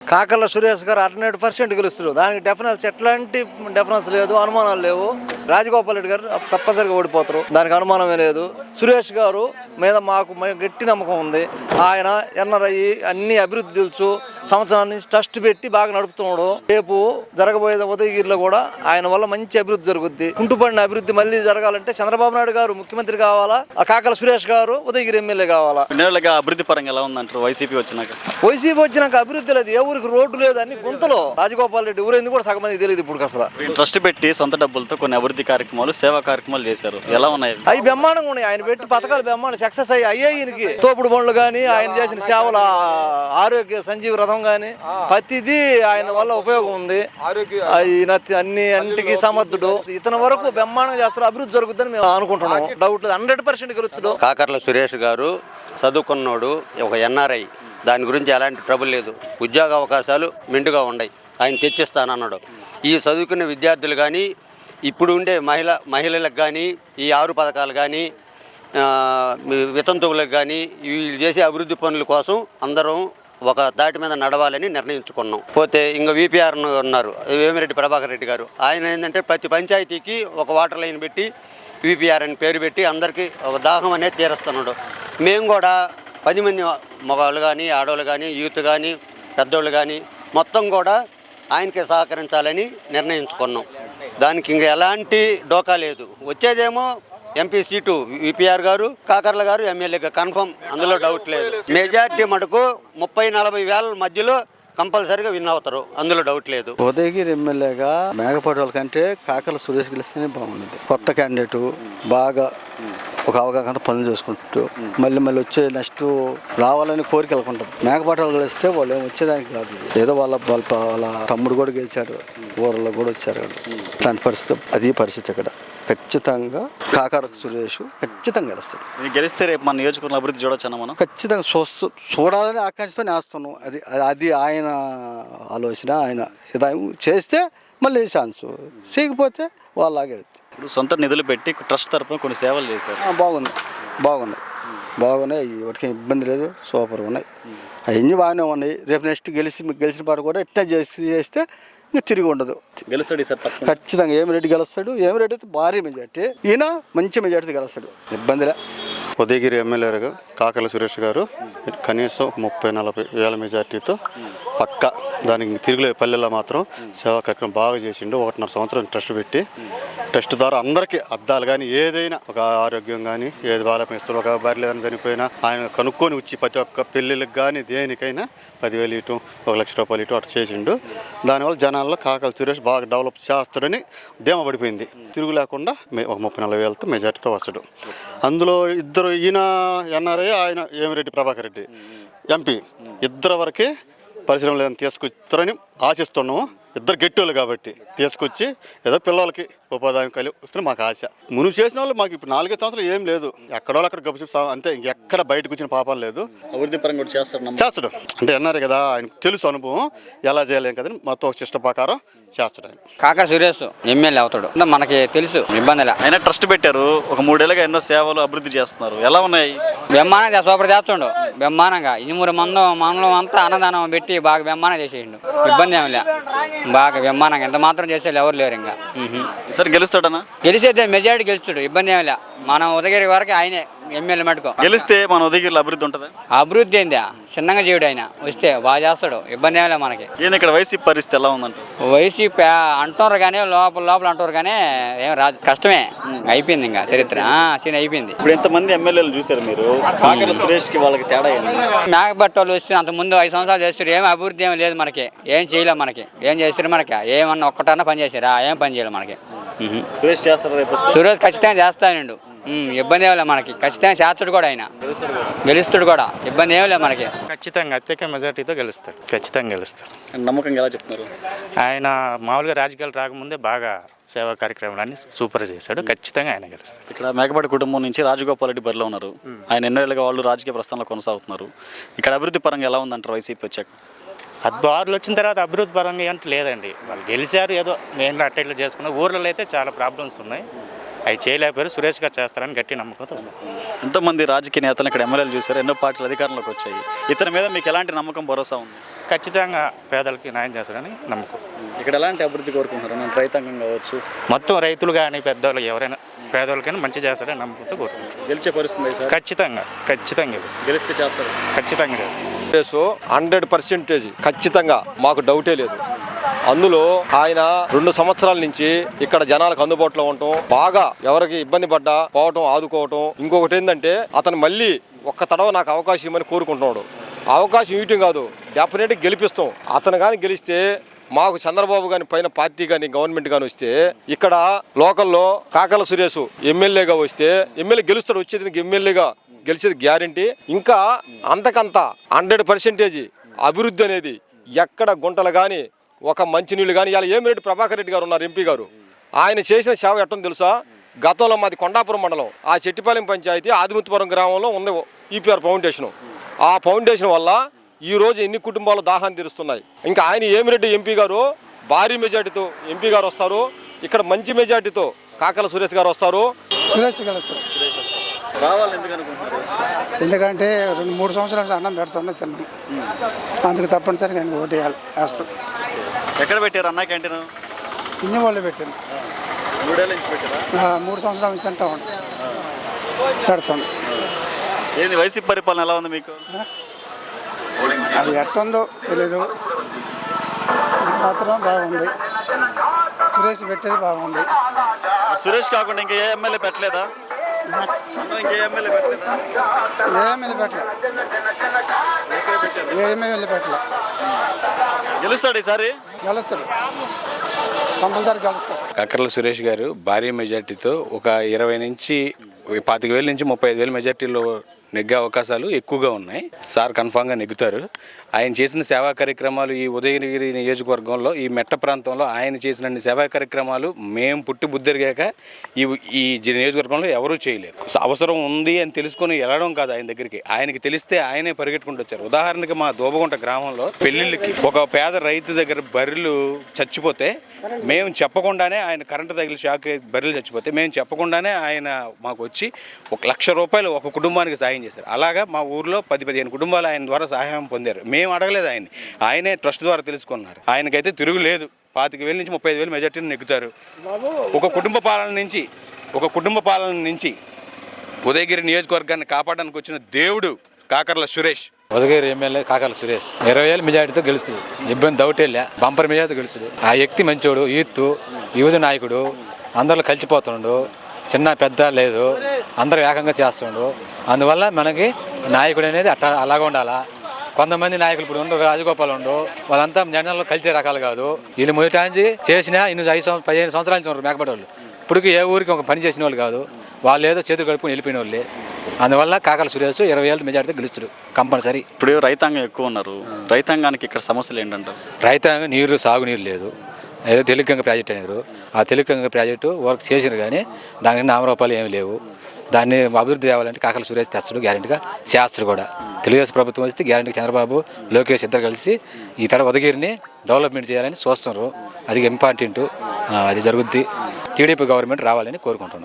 కాకర్ల సురేష్ గారు 100% గెలుస్తారు. దానికి ఎట్లాంటి డెఫరెన్స్ లేదు, అనుమానాలు లేవు. రాజగోపాల్ రెడ్డి గారు తప్పనిసరిగా ఓడిపోతారు, దానికి అనుమానమే లేదు. సురేష్ గారు మీద మాకు గట్టి నమ్మకం ఉంది. ఆయన ఎన్ఆర్ఐ అన్ని అభివృద్ధి తెలుసు, సంవత్సరాల నుంచి ట్రస్ట్ పెట్టి బాగా నడుపుతున్నాడు. రేపు జరగబోయే ఉదయగిరిలో కూడా ఆయన వల్ల మంచి అభివృద్ధి జరుగుద్ది. కుంటుపడిన అభివృద్ధి మళ్ళీ జరగాలంటే చంద్రబాబు నాయుడు గారు ముఖ్యమంత్రి కావాలా, ఆ కాకర్ల సురేష్ గారు ఉదయగిరి ఎమ్మెల్యే కావాలా. అభివృద్ధి పరంగా ఎలా ఉందంటారు వైసీపీ వచ్చినాక అభివృద్ధి లేదు, ఏ ఊరికి రోడ్డు లేదు, అన్ని గుంతలో. రాజగోపాల్ రెడ్డి ఊరైంది కూడా సగం మంది తెలియదు ఇప్పుడు అసలు. ట్రస్ట్ పెట్టి సొంత డబ్బులతో కొన్ని అభివృద్ధి కార్యక్రమాలు, సేవా కార్యక్రమాలు చేశారు, ఎలా ఉన్నాయి? అవి బ్రహ్మాండంగా ఉన్నాయి. ఆయన పెట్టి పథకాలు బ్రహ్మాండం సక్సెస్ అయ్యాయి. తోపుడు బండ్లు కానీ, ఆయన చేసిన సేవల ఆరోగ్య సంజీవ రథం కానీ ప్రతిదీ ఆయన వల్ల ఉపయోగం ఉంది. ఆయన అన్నింటికి సమర్థుడు. ఇతని వరకు బ్రహ్మాండంగా చేస్తారు, అభివృద్ధి జరుగుతుందని మేము అనుకుంటున్నాం. డౌట్ 100% గెలుస్తాడు. కాకర్ల సురేష్ గారు చదువుకున్నాడు, ఒక ఎన్ఆర్ఐ. దాని గురించి ఎలాంటి ట్రబుల్ లేదు. ఉద్యోగ అవకాశాలు మెండుగా ఉన్నాయి, ఆయన తెచ్చిస్తానన్నాడు. ఈ చదువుకునే విద్యార్థులు కానీ, ఇప్పుడు ఉండే మహిళలకు కానీ, ఈ 6 పథకాలు కానీ, వితంతువులకు కానీ, వీళ్ళు చేసే అభివృద్ధి పనుల కోసం అందరం ఒక దాటి మీద నడవాలని నిర్ణయించుకున్నాం. పోతే ఇంకా విపిఆర్ ఉన్నారు, వేమిరెడ్డి ప్రభాకర్ రెడ్డి గారు. ఆయన ఏంటంటే ప్రతి పంచాయతీకి ఒక వాటర్ లైన్ పెట్టి విపిఆర్ అని పేరు పెట్టి అందరికీ ఒక దాహం అనేది తీరుస్తున్నాడు. మేము కూడా 10 మంది మగవాళ్ళు కానీ, ఆడవాళ్ళు కానీ, యూత్ కానీ, పెద్దోళ్ళు కానీ మొత్తం కూడా ఆయనకి సహకరించాలని నిర్ణయించుకున్నాం. దానికి ఇంకా ఎలాంటి డోకా లేదు. వచ్చేదేమో ఎంపీ సీటు విపిఆర్ గారు, కాకర్ల గారు ఎమ్మెల్యేగా కన్ఫర్మ్, అందులో డౌట్ లేదు. మెజార్టీ మటుకు 30-40 వేల మధ్యలో కంపల్సరీగా విన్ అవుతారు, అందులో డౌట్ లేదు. ఉదయగిరి ఎమ్మెల్యేగా మేకపాటి వాళ్ళ కంటే కాకర్ల సురేష్ గెలిస్తేనే బాగుంది. కొత్త క్యాండిడేటు, బాగా ఒక అవగాహన పనులు చేసుకుంటూ మళ్ళీ వచ్చే నెక్స్ట్ రావాలని కోరిక వెళ్ళకుంటారు. మేకపాటి వాళ్ళు గెలిస్తే వాళ్ళు ఏమి వచ్చేదానికి కాదు. ఏదో వాళ్ళ తమ్ముడు కూడా గెలిచాడు, ఊర్లో కూడా వచ్చారు. అట్లాంటి పరిస్థితి, అది పరిస్థితి ఇక్కడ. ఖచ్చితంగా కాకర్ల సురేష్ ఖచ్చితంగా గెలుస్తాడు. గెలిస్తే రేపు మన నియోజకవర్గం అభివృద్ధి చూడొచ్చు మనం. ఖచ్చితంగా చూడాలని ఆకాంక్షతో నేస్తున్నాం. అది ఆయన ఆలోచన. ఆయన ఇదాయం చేస్తే మళ్ళీ ఛాన్స్, చేయకపోతే వాళ్ళలాగే. ఇప్పుడు సొంత నిధులు పెట్టి ట్రస్ట్ తరఫున కొన్ని సేవలు చేశారు. బాగున్నాయి. వాటికి ఇబ్బంది లేదు, సూపర్గా ఉన్నాయి. అవన్నీ బాగానే ఉన్నాయి. రేపు నెక్స్ట్ గెలిచిన పాట కూడా ఇట్లా చేస్తే ఇంకా తిరిగి ఉండదు. గెలుస్తాడు సార్ ఖచ్చితంగా. ఏమిరెడ్డి గెలుస్తాడు. ఏమిరెడ్డి అయితే భారీ మెజార్టీ, ఈయన మంచి మెజార్టీ గెలుస్తాడు, ఇబ్బందిలే. ఉదయగిరి ఎమ్మెల్యేగా కాకర్ల సురేష్ గారు కనీసం 30-40 వేల మెజార్టీతో పక్క. దానికి తిరుగులే పల్లెల్లో మాత్రం సేవా కార్యక్రమం బాగా చేసిండు. 1.5 సంవత్సరం ట్రస్ట్ పెట్టి, ట్రస్ట్ ద్వారా అందరికీ అద్దాలు కానీ, ఏదైనా ఒక ఆరోగ్యం కానీ, ఏది బాలపిస్తాడు, ఒక బర్రెలు కానీ చనిపోయినా ఆయన కనుక్కొని వచ్చి ప్రతి ఒక్క పెళ్ళిళ్ళకి కానీ దేనికైనా 10,000 ఇటు, 1 లక్ష రూపాయలు ఇటు అటు చేసిండు. దానివల్ల జనాల్లో కాకర్ల సురేష్ బాగా డెవలప్ చేస్తాడని ధీమా పడిపోయింది. తిరుగు లేకుండా ఒక 30-40 వేలతో మెజార్టీతో వస్తాడు. అందులో ఇద్దరు, ఈయన ఎన్ఆర్ఐ, ఆయన వేమిరెడ్డి ప్రభాకర్ రెడ్డి ఎంపీ, ఇద్దరు వరకే పరిశ్రమలు ఏదైనా తీసుకొస్తారని ఆశిస్తున్నాము. ఇద్దరు గట్టివాళ్ళు కాబట్టి తీసుకొచ్చి ఏదో పిల్లలకి ఉపాధి కలిగి మాకు ఆశ. మునుపు చేసిన వాళ్ళు మాకు ఇప్పుడు 4-5 సంవత్సరాలు ఏం లేదు. ఎక్కడో అక్కడ గబ్బు అంతే, ఇంకెక్కడ బయటకు వచ్చిన పాపం లేదు. అభివృద్ధి పరంగా కూడా చేస్తాడు. అంటే అన్నారు కదా, ఆయనకు తెలుసు అనుభవం ఎలా చేయలేం కదా, మొత్తం ఒక శిష్ట ప్రకారం చేస్తాడు ఆయన. కాకర్ల సురేష్ ఎమ్మెల్యే అవుతాడు, మనకి తెలుసు, ఇబ్బంది. ఆయన ట్రస్ట్ పెట్టారు, ఒక 3 ఏళ్ళుగా ఎన్నో సేవలు అభివృద్ధి చేస్తున్నారు, ఎలా ఉన్నాయి? బ్రహ్మాండంగా సూపర్ చేస్తుండు. బ్రహ్మాండంగా 2-3 మండలం అంతా అన్నదానం పెట్టి బాగా బ్రహ్మాండంగా చేసేయండు. ఇబ్బంది ఏమి లే, బాగా బ్రహ్మాండంగా ఎంత మాత్రం చేసేది ఎవరు లేరు. ఇంకా సరే గెలుస్తాడనా? గెలిచేదే మెజారిటీ గెలుస్తాడు, ఇబ్బంది ఏమి లే. మనం ఉదయగిరి వరకు ఆయనే ఎమ్మెల్యే మటుకు. గెలిస్తే మన ఉదయగిరిలో అభివృద్ధి ఉంటుందా? అభివృద్ధి ఏందా, చిన్నగా చేయడు ఆయన, వస్తే బాగా చేస్తాడు, ఇబ్బంది ఏమి లే మనకి. ఈయన ఇక్కడ వైసీపీ పరిస్థితి ఎలా ఉందంట? వైసీపీ అంటున్నారు కానీ, లోపల అంటున్నారు కానీ ఏం రాదు, కష్టమే. అయిపోయింది ఇంకా చరిత్ర, సీన్ అయిపోయింది. ఇప్పుడు ఎంతమంది ఎమ్మెల్యేలు చూసారు మీరు? కాకర్ల సురేష్కి వాళ్ళకి తేడా ఏంది? మేకపాటి వాళ్ళు వస్తే అంతకుముందు 5 సంవత్సరాలు చేస్తారు, ఏం అభివృద్ధి ఏమి లేదు మనకి, ఏం చేయలేం మనకి. ఏం చేస్తారు మనకి? ఏమన్నా ఒక్కటన్నా పని చేశారా? ఏం పని చేయలేదు మనకి. సురేష్ చేస్తారు రేపు? సురేష్ ఖచ్చితంగా చేస్తానండు, ఇబ్బంది ఏమి లేదు మనకి. ఖచ్చితంగా చేస్తాడు కూడా, ఆయన గెలుస్తాడు కూడా, ఇబ్బంది ఏమి లేదు మనకి. ఖచ్చితంగా అత్యధిక మెజార్టీతో గెలుస్తాడు, ఖచ్చితంగా గెలుస్తాడు. నమ్మకంగా ఎలా చెప్తున్నారు? ఆయన మామూలుగా రాజకీయాలు రాకముందే బాగా సేవా కార్యక్రమాలన్నీ సూపర్ చేశాడు, ఖచ్చితంగా ఆయన గెలుస్తాడు. ఇక్కడ మేకపాటి కుటుంబం నుంచి రాజగోపాల్ రెడ్డి బరిలో ఉన్నారు. ఆయన ఎన్నో ఏళ్ళుగా వాళ్ళు రాజకీయ ప్రస్థానంలో కొనసాగుతున్నారు. ఇక్కడ అభివృద్ధి పరంగా ఎలా ఉందంటారు వైసీపీ వచ్చాక? వాళ్ళు వచ్చిన తర్వాత అభివృద్ధి పరంగా అంటే లేదండి. వాళ్ళు గెలిచారు, ఏదో మెయిన్గా అట్టేట్లు చేసుకున్నారు. ఊర్లలో అయితే చాలా ప్రాబ్లమ్స్ ఉన్నాయి, అవి చేయలేకపోయారు. సురేష్ గారు చేస్తారని గట్టి నమ్మకంతో. ఎంతోమంది రాజకీయ నేతలు ఇక్కడ ఎమ్మెల్యేలు చూశారు, ఎన్నో పార్టీలు అధికారంలోకి వచ్చాయి. ఇతని మీద మీకు ఎలాంటి నమ్మకం, భరోసా ఉంది? ఖచ్చితంగా పేదలకి న్యాయం చేస్తారని నమ్మకం. ఇక్కడ ఎలాంటి అభివృద్ధి కోరుకుంటున్నారు? నేను రైతాంగం కావచ్చు, మొత్తం రైతులు కానీ పెద్దవాళ్ళు ఎవరైనా పేదవాళ్ళకైనా మంచి చేస్తారని నమ్మకంతో కోరుకుంటారు. గెలిచే పరిస్థితి సార్? ఖచ్చితంగా గెలుస్తుంది. గెలిస్తే చేస్తారు. ఖచ్చితంగా చేస్తాం. 100% ఖచ్చితంగా మాకు డౌటే లేదు. అందులో ఆయన 2 సంవత్సరాల నుంచి ఇక్కడ జనాలకు అందుబాటులో ఉండటం, బాగా ఎవరికి ఇబ్బంది పడ్డా పోవటం, ఆదుకోవటం. ఇంకొకటి ఏంటంటే అతను మళ్ళీ ఒక్క తడవ నాకు అవకాశం ఇవ్వమని కోరుకుంటున్నాడు. అవకాశం ఇవ్వటం కాదు, డెఫినెట్గా గెలిపిస్తాం. అతను కానీ గెలిస్తే మాకు చంద్రబాబు గాని పైన పార్టీ కానీ గవర్నమెంట్ కానీ వస్తే ఇక్కడ లోకల్లో కాకల సురేష్ ఎమ్మెల్యేగా వస్తే ఎమ్మెల్యే గెలుస్తాడు. వచ్చేది ఎమ్మెల్యేగా గెలిచేది గ్యారంటీ. ఇంకా అంతకంత 100% అభివృద్ధి అనేది ఎక్కడ గుంటలు కానీ ఒక మంచినీళ్ళు కానీ. ఇలా ఏమిరెడ్డి ప్రభాకర్ రెడ్డి గారు ఉన్నారు, ఎంపీ గారు. ఆయన చేసిన సేవ ఎట్టని తెలుసా? గతంలో మాది కొండాపురం మండలం, ఆ చెట్టిపాలెం పంచాయతీ ఆదిముత్తుపురం గ్రామంలో ఉంది ఈపీఆర్ ఫౌండేషన్. ఆ ఫౌండేషన్ వల్ల ఈరోజు ఎన్ని కుటుంబాలు దాహాన్ని తీరుస్తున్నాయి. ఇంకా ఆయన ఏమిరెడ్డి ఎంపీ గారు భారీ మెజార్టీతో ఎంపీ గారు వస్తారు. ఇక్కడ మంచి మెజార్టీతో కాకల సురేష్ గారు వస్తారు. సురేష్ గెలుస్తారు. రావాలి ఎందుకు అనుకుంటున్నారు? ఎందుకంటే 2-3 సంవత్సరాలు అన్నం పెడుతున్నా తిన్నాం, అందుకు తప్పనిసరిగా ఆయన ఓటు వేస్తాం. ఎక్కడ పెట్టారు అన్న క్యాంటీన్? ఇన్ని వాళ్ళు పెట్టాను. 3 ఏళ్ళ నుంచి పెట్టారా? 3 సంవత్సరాల నుంచి తింటా ఉంటాం, పెడతాం. ఏంది వైసీపీ పరిపాలన ఎలా ఉంది మీకు? అది ఎట్టుందో తెలీదు, మాత్రం బాగుంది. సురేష్ పెట్టేది బాగుంది. సురేష్ కాకుండా ఇంకా ఏ ఎమ్మెల్యే పెట్టలేదా? ఇంకే ఎమ్మెల్యే పెట్టలేదా? ఏఎమ్మెల్యే పెట్టలే, ఏఎమ్మెల్యే పెట్టలే. గెలుస్తాడు ఈసారి? గెలుస్తాడు, కంపల్సరీ గెలుస్తాడు. కాకర్ల సురేష్ గారు భారీ మెజార్టీతో ఒక 20 నుంచి 25,000 నుంచి 35,000 మెజార్టీలో నెగ్గే అవకాశాలు ఎక్కువగా ఉన్నాయి. సార్ కన్ఫామ్గా నెగ్గుతారు. ఆయన చేసిన సేవా కార్యక్రమాలు ఈ ఉదయగిరి నియోజకవర్గంలో ఈ మెట్ట ప్రాంతంలో ఆయన చేసిన సేవా కార్యక్రమాలు మేము పుట్టి బుద్ధిరిగాక ఈ నియోజకవర్గంలో ఎవరూ చేయలేరు. అవసరం ఉంది అని తెలుసుకొని వెళ్ళడం కాదు ఆయన దగ్గరికి, ఆయనకి తెలిస్తే ఆయనే పరిగెట్టుకుంటూ వచ్చారు. ఉదాహరణకి మా దోబగుంట గ్రామంలో పెళ్లిళ్ళకి ఒక పేద రైతు దగ్గర బర్రెలు చచ్చిపోతే మేము చెప్పకుండానే, ఆయన కరెంటు తగిలి షాక్ బర్రెలు చచ్చిపోతే మేము చెప్పకుండానే ఆయన మాకు వచ్చి ₹1,00,000 ఒక కుటుంబానికి సాయం చేశారు. అలాగా మా ఊర్లో 10-15 కుటుంబాలు ఆయన ద్వారా సహాయం పొందారు. మేము అడగలేదు ఆయనే ట్రస్ట్ ద్వారా తెలుసుకున్నారు. ఆయనకైతే తిరుగులేదు. 25,000 నుంచి 35,000 మెజార్టీని నెగ్గుతారు. ఒక కుటుంబ పాలన నుంచి ఉదయగిరి నియోజకవర్గాన్ని కాపాడడానికి వచ్చిన దేవుడు కాకర్ల సురేష్. ఉదయగిరి ఎమ్మెల్యే కాకర్ల సురేష్ 20,000 మెజార్టీతో గెలుస్తుంది. ఇబ్బంది డౌటేలే, బంపర్ మెజార్టీతో గెలుస్తుంది. ఆ వ్యక్తి మంచోడు, యువత నాయకుడు, అందరిలో కలిసిపోతుండు, చిన్న పెద్ద లేదు, అందరూ ఏకంగా చేస్తుండు. అందువల్ల మనకి నాయకుడు అనేది అలాగ ఉండాలా. కొంతమంది నాయకులు ఇప్పుడు ఉండరు, రాజగోపాల్ ఉండు, వాళ్ళంతా జనాల్లో కలిసే రకాలు కాదు. వీళ్ళు మొదటి చేసినా 15 సంవత్సరాల నుంచి ఉన్నారు మేకపడి వాళ్ళు. ఇప్పటికి ఏ ఊరికి ఒక పని చేసిన వాళ్ళు కాదు, వాళ్ళు ఏదో చేతులు కడుపుకొని వెళ్ళిపోయిన వాళ్ళే. అందువల్ల కాకర్ల సురేష్ 20,000 మెజార్టీతో గెలుస్తాడు కంపల్సరీ. ఇప్పుడు రైతాంగం ఎక్కువ ఉన్నారు, రైతాంగానికి ఇక్కడ సమస్యలు ఏంటంటారు? రైతాంగం సాగునీరు లేదు. ఏదో తెలుగుగంగ ప్రాజెక్ట్ అనేరు, ఆ తెలుగుగంగ ప్రాజెక్టు వర్క్ చేసినారు కానీ దానికి ₹1 ఏమి లేవు. దాన్ని అభివృద్ధి తేవాలంటే కాకర్ల సురేష్ తెస్తాడు, గ్యారెంటీగా చేస్తాడు కూడా. తెలుగుదేశం ప్రభుత్వం వస్తే గ్యారెంటీగా చంద్రబాబు, లోకేష్ ఇద్దరు కలిసి ఈ ఉదయగిరిని డెవలప్మెంట్ చేయాలని చూస్తున్నారు. అది ఇంపార్టెంట్, అది జరుగుద్ది. టీడీపీ గవర్నమెంట్ రావాలని కోరుకుంటున్నాం.